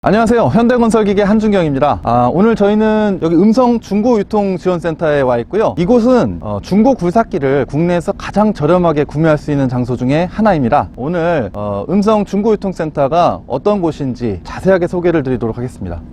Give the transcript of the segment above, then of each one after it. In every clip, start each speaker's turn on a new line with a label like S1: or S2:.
S1: 안녕하세요. 현대건설기계 한준경입니다. 오늘 저희는 여기 음성 중고유통지원센터에 와 있고요. 이곳은 중고 굴삭기를 국내에서 가장 저렴하게 구매할 수 있는 장소 중에 하나입니다. 오늘 음성 중고유통센터가 어떤 곳인지 자세하게 소개를 드리도록 하겠습니다.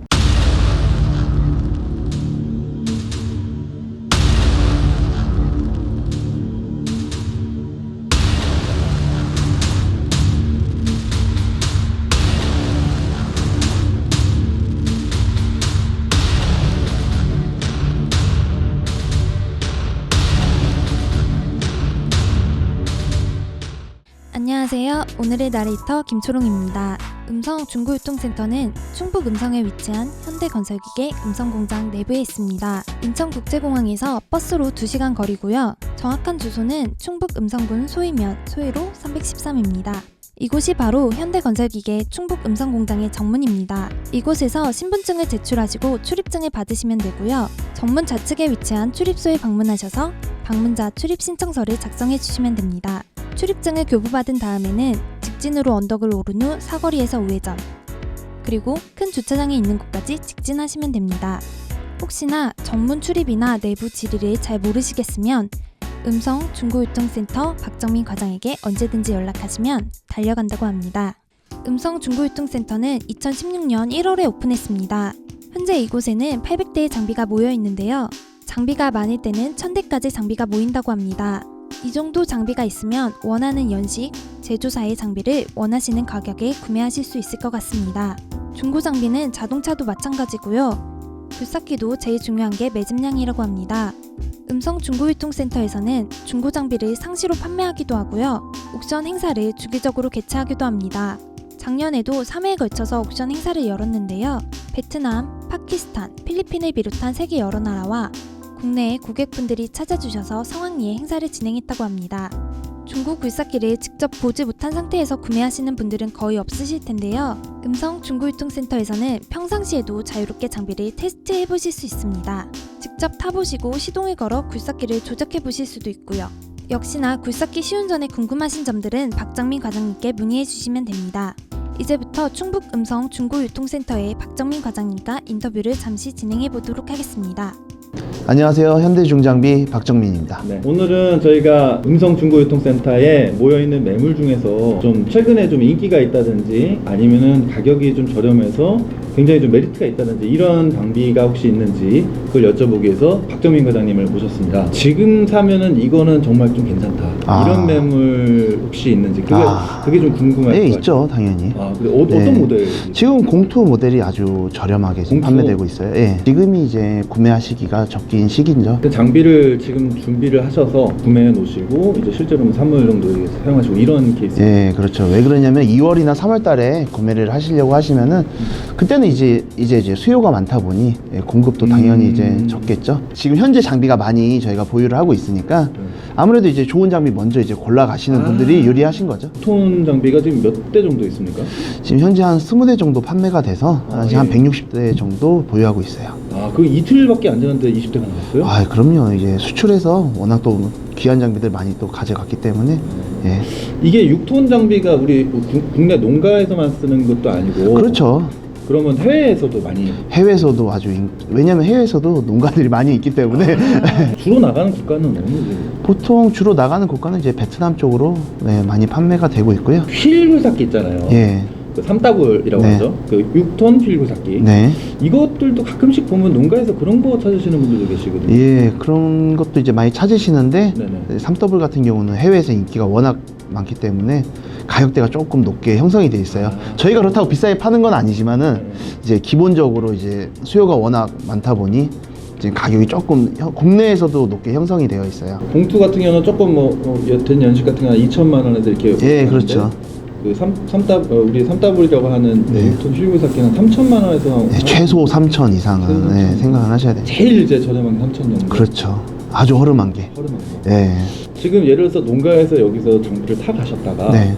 S2: 안녕하세요. 오늘의 나레이터 김초롱입니다. 음성 중고유통센터는 충북 음성에 위치한 현대건설기계 음성공장 내부에 있습니다. 인천국제공항에서 버스로 2시간 거리고요. 정확한 주소는 충북 음성군 소위면 소위로 313입니다. 이곳이 바로 현대건설기계 충북 음성공장의 정문입니다. 이곳에서 신분증을 제출하시고 출입증을 받으시면 되고요. 정문 좌측에 위치한 출입소에 방문하셔서 방문자 출입 신청서를 작성해 주시면 됩니다. 출입증을 교부받은 다음에는 직진으로 언덕을 오른 후 사거리에서 우회전, 그리고 큰 주차장이 있는 곳까지 직진하시면 됩니다. 혹시나 정문 출입이나 내부 지리를 잘 모르시겠으면 음성 중고유통센터 박정민 과장에게 언제든지 연락하시면 달려간다고 합니다. 음성 중고유통센터는 2016년 1월에 오픈했습니다. 현재 이곳에는 800대의 장비가 모여 있는데요. 장비가 많을 때는 1000대까지 장비가 모인다고 합니다. 이 정도 장비가 있으면 원하는 연식, 제조사의 장비를 원하시는 가격에 구매하실 수 있을 것 같습니다. 중고 장비는 자동차도 마찬가지고요. 굴삭기도 제일 중요한 게 매집량이라고 합니다. 음성 중고유통센터에서는 중고 장비를 상시로 판매하기도 하고요. 옥션 행사를 주기적으로 개최하기도 합니다. 작년에도 3회에 걸쳐서 옥션 행사를 열었는데요. 베트남, 파키스탄, 필리핀을 비롯한 세계 여러 나라와 국내의 고객분들이 찾아주셔서 성황리에 행사를 진행했다고 합니다. 중고 굴삭기를 직접 보지 못한 상태에서 구매하시는 분들은 거의 없으실 텐데요. 음성 중고유통센터에서는 평상시에도 자유롭게 장비를 테스트해 보실 수 있습니다. 직접 타보시고 시동을 걸어 굴삭기를 조작해 보실 수도 있고요. 역시나 굴삭기 시운 전에 궁금하신 점들은 박정민 과장님께 문의해 주시면 됩니다. 이제부터 충북 음성 중고유통센터의 박정민 과장님과 인터뷰를 잠시 진행해 보도록 하겠습니다.
S3: 안녕하세요. 현대중장비 박정민입니다.
S1: 네, 오늘은 저희가 음성 중고유통센터에 모여있는 매물 중에서 좀 최근에 좀 인기가 있다든지 아니면은 가격이 좀 저렴해서 굉장히 좀 메리트가 있다든지 이런 장비가 혹시 있는지 그걸 여쭤보기 위해서 박정민 과장님을 모셨습니다. 지금 사면은 이거는 정말 좀 괜찮다. 이런 매물 혹시 있는지 그게 좀 궁금할 것
S3: 네,
S1: 같아요.
S3: 있죠. 당연히.
S1: 근데 어떤 모델?
S3: 지금 공투 모델이 아주 저렴하게 지금
S1: 공투?
S3: 판매되고 있어요. 예. 지금이 이제 구매하시기가 적긴 시기죠.
S1: 그 장비를 지금 준비를 하셔서 구매해 놓으시고 이제 실제로는 3월 정도에 사용하시고 이런 케이스.
S3: 예, 그렇죠. 왜 그러냐면 2월이나 3월 달에 구매를 하시려고 하시면은 그때는 이제 수요가 많다 보니 공급도 당연히 이제 적겠죠. 지금 현재 장비가 많이 저희가 보유를 하고 있으니까 아무래도 이제 좋은 장비 먼저 이제 골라 가시는 분들이 유리하신 거죠.
S1: 톤 장비가 지금 몇 대 정도 있습니까?
S3: 지금 현재 한 20대 정도 판매가 돼서 한 160대 정도 보유하고 있어요.
S1: 그 이틀밖에 안 지났는데 20대가 나왔어요?
S3: 그럼요. 이게 수출해서 워낙 또 귀한 장비들 많이 또 가져갔기 때문에. 예.
S1: 이게 6톤 장비가 우리 국내 농가에서만 쓰는 것도 아니고.
S3: 그렇죠.
S1: 그러면 해외에서도 많이.
S3: 해외에서도 왜냐면 해외에서도 농가들이 많이 있기 때문에.
S1: 주로 나가는 국가는 어느?
S3: 보통 주로 나가는 국가는 이제 베트남 쪽으로 많이 판매가 되고 있고요.
S1: 휠 굴삭기 있잖아요.
S3: 예.
S1: 그 3더블이라고 하죠. 그 6톤 휠 굴삭기.
S3: 네.
S1: 이것들도 가끔씩 보면 농가에서 그런 거 찾으시는 분들도 계시거든요.
S3: 예, 그런 것도 이제 많이 찾으시는데,
S1: 네네.
S3: 3더블 같은 경우는 해외에서 인기가 워낙 많기 때문에 가격대가 조금 높게 형성이 돼 있어요. 저희가 그렇다고 비싸게 파는 건 아니지만은 이제 기본적으로 이제 수요가 워낙 많다 보니 이제 가격이 조금 국내에서도 높게 형성이 되어 있어요.
S1: 봉투 같은 경우는 조금 여튼 연식 같은 경우는 2천만 원에도 이렇게.
S3: 예, 그렇죠.
S1: 그 우리 3더블이라고 하는
S3: 네.
S1: 6톤 휠 굴삭기는 3천만 원에서.
S3: 최소 3천 이상은 생각을 하셔야 돼요.
S1: 제일 이제 저렴한 게 3천 정도.
S3: 그렇죠. 아주 허름한 게.
S1: 허름한 거.
S3: 예.
S1: 지금 예를 들어서 농가에서 여기서 장비를 타 가셨다가
S3: 네.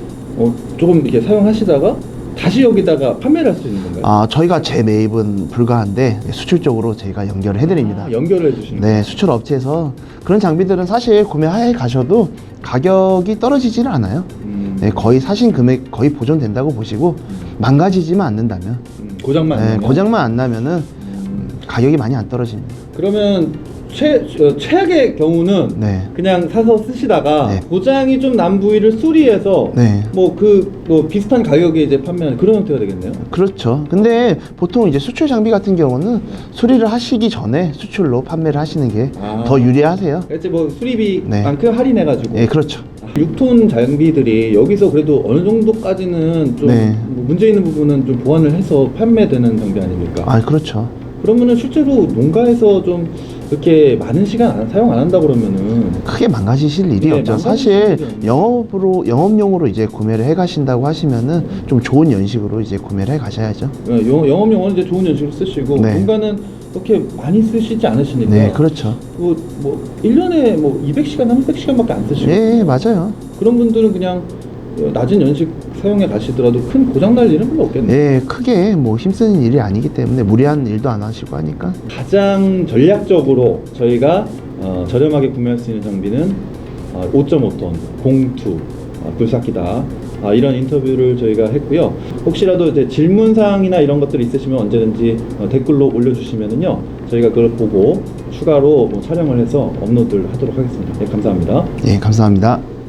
S1: 조금 이렇게 사용하시다가 다시 여기다가 판매를 할 수 있는 건가요?
S3: 저희가 재매입은 불가한데 수출적으로 저희가 연결을 해드립니다.
S1: 연결해 주시는
S3: 네, 수출 업체에서 그런 장비들은 사실 구매해 가셔도 가격이 떨어지지는 않아요. 거의 사신 금액 거의 보존된다고 보시고 망가지지만 않는다면
S1: 고장만 안 나면?
S3: 고장만 안 나면은 가격이 많이 안 떨어집니다.
S1: 그러면 최악의 경우는
S3: 네.
S1: 그냥 사서 쓰시다가
S3: 네.
S1: 고장이 좀 난 부위를 수리해서
S3: 네.
S1: 뭐 비슷한 가격에 이제 판매하는 그런 형태가 되겠네요.
S3: 그렇죠. 근데 보통 이제 수출 장비 같은 경우는 수리를 하시기 전에 수출로 판매를 하시는 게 더 유리하세요.
S1: 이제 뭐
S3: 네.
S1: 수리비만큼 할인해가지고.
S3: 예, 그렇죠.
S1: 6톤 장비들이 여기서 그래도 어느 정도까지는 좀
S3: 네.
S1: 뭐 문제 있는 부분은 좀 보완을 해서 판매되는 장비 아닙니까?
S3: 아, 그렇죠.
S1: 그러면은 실제로 농가에서 좀 이렇게 많은 시간 사용 안 한다 그러면은
S3: 크게 망가지실 일이
S1: 네,
S3: 없죠.
S1: 망가지실
S3: 사실
S1: 일이 없네요.
S3: 영업용으로 이제 구매를 해 가신다고 하시면은 좀 좋은 연식으로 이제 구매를 해 가셔야죠.
S1: 영업용은 이제 좋은 연식으로 쓰시고
S3: 네.
S1: 농가는 그렇게 많이 쓰시지 않으시니까
S3: 네, 그렇죠.
S1: 뭐 1년에 뭐 200시간, 300시간밖에 안 쓰시고
S3: 예, 맞아요.
S1: 그런 분들은 그냥 낮은 연식 사용해 가시더라도 큰 고장 날 일은 별로 없겠네요.
S3: 예, 크게 뭐 힘쓰는 일이 아니기 때문에 무리한 일도 안 하시고 하니까.
S1: 가장 전략적으로 저희가 저렴하게 구매할 수 있는 장비는 5.5톤 공투 굴삭기다. 이런 인터뷰를 저희가 했고요. 혹시라도 이제 질문 사항이나 이런 것들이 있으시면 언제든지 댓글로 올려주시면은요, 저희가 그걸 보고 추가로 뭐 촬영을 해서 업로드를 하도록 하겠습니다. 네, 감사합니다.
S3: 예, 감사합니다.